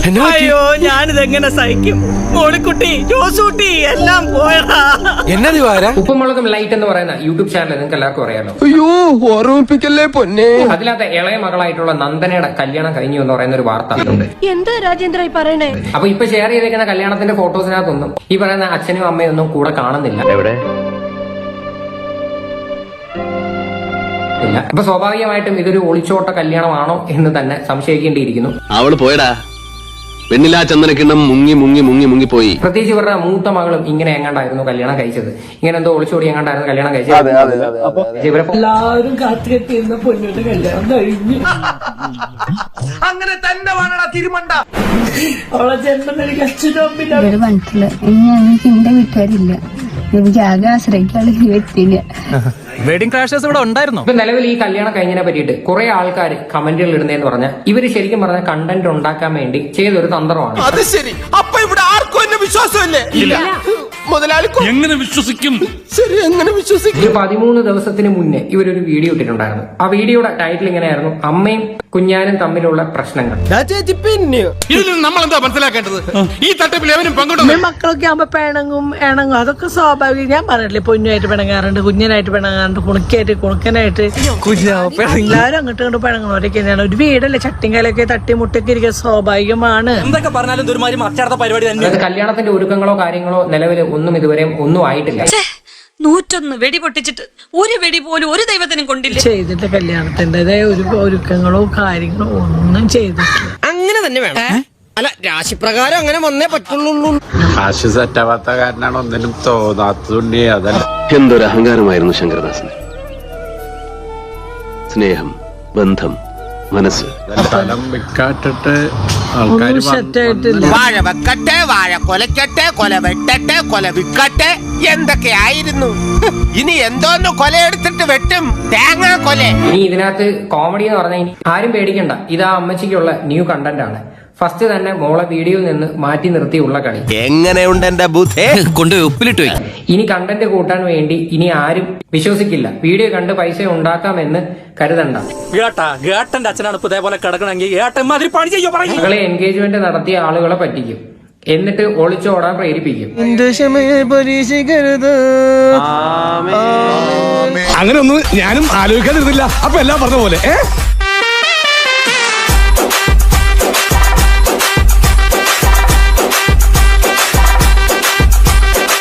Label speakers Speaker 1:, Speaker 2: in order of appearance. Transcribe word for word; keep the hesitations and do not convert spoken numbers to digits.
Speaker 1: അയ്യോ ഞാനിതെങ്ങനെ സഹിക്കും? മോളിക്കുട്ടി ജോസൂട്ടി എല്ലാം പോയടാ.
Speaker 2: എന്നത്
Speaker 3: ഉപ്പുമുളകും ലൈറ്റ് എന്ന് പറയുന്ന യൂട്യൂബ് ചാനൽ നിങ്ങൾക്ക് എല്ലാവർക്കും അറിയാലോ.
Speaker 2: അയ്യോ ഓർമ്മിപ്പിക്കല്ലേ പൊന്നെ.
Speaker 3: അതിനകത്ത് ഇളയ മകളായിട്ടുള്ള നന്ദനയുടെ കല്യാണം കഴിഞ്ഞു എന്ന് പറയുന്ന ഒരു വാർത്ത ഉണ്ട്.
Speaker 4: എന്താ രാജേന്ദ്ര പറയണേ?
Speaker 3: അപ്പൊ ഇപ്പൊ ഷെയർ ചെയ്തേക്കുന്ന കല്യാണത്തിന്റെ ഫോട്ടോസിനകത്തൊന്നും ഈ പറയുന്ന അച്ഛനും അമ്മയും ഒന്നും കൂടെ കാണുന്നില്ല.
Speaker 5: എവിടെ?
Speaker 3: ഇല്ല. അപ്പൊ സ്വാഭാവികമായിട്ടും ഇതൊരു ഒളിച്ചോട്ട കല്യാണമാണോ എന്ന് തന്നെ സംശയിക്കേണ്ടിയിരിക്കുന്നു.
Speaker 5: അവള് പോയടാ. പെണ്ണിലാ ചന്ദനക്കിണ്ണം മുങ്ങി മുങ്ങി മുങ്ങി മുങ്ങി പോയി.
Speaker 3: പ്രത്യേകിച്ച് ഇവരുടെ മൂത്ത മകളും ഇങ്ങനെ എങ്ങാണ്ടായിരുന്നു കല്യാണം കഴിച്ചത്. ഇങ്ങനെ എന്തോ ഒളിച്ചോടി എങ്ങാണ്ടായിരുന്നു കല്യാണം കഴിച്ചത്. ഇവരെ
Speaker 1: എല്ലാവരും കാത്തുകെട്ടിയിരുന്ന പൊന്നിയുടെ കല്യാണം കഴിഞ്ഞു.
Speaker 2: അങ്ങനെ തന്നെ വേണടാ തിരുമണ്ട.
Speaker 1: അവളെ ജന്മം എനിക്ക് അച്ഛനും അമ്മില്ല.
Speaker 6: ഇവര് മനസ്സില് ഇനി ഞങ്ങൾക്ക് എന്റെ വീട്ടുകാരില്ല. എനിക്ക് ആകെ ആശ്രയിക്കാനുള്ള ഈ വ്യക്തിയില്ല.
Speaker 7: വെഡിങ് ക്രാഷേഴ്സ് ഇവിടെ ഉണ്ടായിരുന്നു.
Speaker 3: ഇപ്പൊ നിലവിൽ ഈ കല്യാണം കഴിഞ്ഞതിനെ പറ്റിയിട്ട് കുറെ ആൾക്കാർ കമന്റുകൾ ഇടുന്നതെന്ന് പറഞ്ഞാൽ ഇവര് ശരിക്കും പറഞ്ഞ കണ്ടന്റ് ഉണ്ടാക്കാൻ വേണ്ടി ചെയ്തൊരു തന്ത്രമാണ്.
Speaker 2: അത് ശരി. അപ്പൊ ഇവിടെ ആർക്കും എന്നെ വിശ്വാസമില്ലേ? മുതലാളി
Speaker 7: എങ്ങനെ വിശ്വസിക്കും?
Speaker 2: ശരി, എങ്ങനെ വിശ്വസിക്കും?
Speaker 3: ഒരു പതിമൂന്ന് ദിവസത്തിന് മുന്നേ ഇവരൊരു വീഡിയോ ഇട്ടിട്ടുണ്ടായിരുന്നു. ആ വീഡിയോയുടെ ടൈറ്റിൽ ഇങ്ങനെയായിരുന്നു, അമ്മയും കുഞ്ഞാനും തമ്മിലുള്ള പ്രശ്നങ്ങൾ.
Speaker 2: ഇതിൽ നിന്ന് നമ്മൾ എന്താ മനസ്സിലാക്കേണ്ടത്? ഈ തട്ടിപ്പിൽ എവനും പങ്കിടുന്നു.
Speaker 1: മക്കളൊക്കെ ആകുമ്പോ പിണങ്ങും ഇണങ്ങും, അതൊക്കെ സ്വാഭാവികം. ഞാൻ പറഞ്ഞില്ലേ, പൊന്നുമായിട്ട് പിണങ്ങാറുണ്ട്, കുഞ്ഞനായിട്ട് പിണങ്ങാറുണ്ട്, കുണുക്കായിട്ട് കുണുക്കനായിട്ട് എല്ലാവരും അങ്ങോട്ടും ഇങ്ങോട്ട് പിണങ്ങണവരൊക്കെ തന്നെയാണ്. ഒരു വീടല്ലേ, ചട്ടിങ്കലൊക്കെ തട്ടി മുട്ടൊക്കെ ഇരിക്കുക സ്വാഭാവികമാണ്.
Speaker 7: എന്തൊക്കെ പറഞ്ഞാലും ഇതൊരുമാതിരി മറ്റടുത്ത പരിപാടി തന്നെ.
Speaker 3: അതായത് കല്യാണത്തിന്റെ ഒരുക്കങ്ങളോ കാര്യങ്ങളോ നിലവിൽ ഒന്നും ഇതുവരെ ഒന്നും ആയിട്ടില്ല.
Speaker 4: നൂറ്റൊന്ന് വെടി പൊട്ടിച്ചിട്ട് ഒരു വെടി പോലും ഒരു ദൈവത്തിനും കൊണ്ടില്ല.
Speaker 1: ചെയ്തിട്ട് കല്യാണത്തിൻ്റെതായ ഒരു ഒരുക്കങ്ങളോ കാര്യങ്ങളോ ഒന്നും ചെയ്തിട്ടില്ല.
Speaker 2: അങ്ങനെ തന്നെ വേണം. അല്ല, രാശിപ്രകാരം അങ്ങനെ വന്നേ പറ്റുള്ളൂ.
Speaker 8: കാശ് സെറ്റാവാത്ത കാരനാണ് ഒന്നിനും തോന്നാത്തതുണ്ടേ. അതല്ല,
Speaker 5: എന്തൊരു അഹങ്കാരമായിരുന്നു ശങ്കരദാസന്. സ്നേഹം, ബന്ധം, മനസ്സ്.
Speaker 8: സ്ഥലം വിക്കാട്ടിട്ട്
Speaker 1: ഒന്നും സെറ്റായിട്ടില്ല.
Speaker 2: വാഴ വെക്കട്ടെ, വാഴ കൊലക്കട്ടെ, കൊല വെട്ടട്ടെ, കൊല വിക്കട്ടെ, എന്തൊക്കെ ആയിരുന്നു. ഇനി എന്തോന്ന് കൊലയെടുത്തിട്ട് വെട്ടും, തേങ്ങാ കൊല.
Speaker 3: ഇനി ഇതിനകത്ത് കോമഡി എന്ന് പറഞ്ഞാൽ ഇനി ആരും പേടിക്കണ്ട, ഇത് ആ അമ്മച്ചിക്കുള്ള ന്യൂ കണ്ടന്റ് ആണ്. ഫസ്റ്റ് തന്നെ മോളെ വീഡിയോയിൽ നിന്ന് മാറ്റി നിർത്തിയുള്ള കളി.
Speaker 2: എങ്ങനെയുണ്ട് എന്റെ ബുദ്ധി?
Speaker 7: കൊണ്ട് ഉപ്പിലിട്ട് പോയി.
Speaker 3: ഇനി കണ്ടന്റ് കൂട്ടാൻ വേണ്ടി ഇനി ആരും വിശ്വസിക്കില്ല. വീഡിയോ കണ്ട് പൈസ ഉണ്ടാക്കാമെന്ന് കരുതണ്ട.
Speaker 7: ഗേട്ടാ ഗേട്ടന്റെ അച്ഛനാണ് ഇപ്പൊ ഇതേപോലെ കിടക്കണമെങ്കിൽ ഏട്ടൻ മാതിരി പണി ചെയ്യോ പറയും.
Speaker 3: മകളെ എൻഗേജ്മെന്റ് നടത്തിയ ആളുകളെ പറ്റിക്കും, എന്നിട്ട് ഒളിച്ചോടാൻ പ്രേരിപ്പിക്കും.
Speaker 2: അങ്ങനെ ഒന്നും ഞാനും ആലോചിക്കാതിരുന്നില്ല. അപ്പൊ എല്ലാം പറഞ്ഞ പോലെ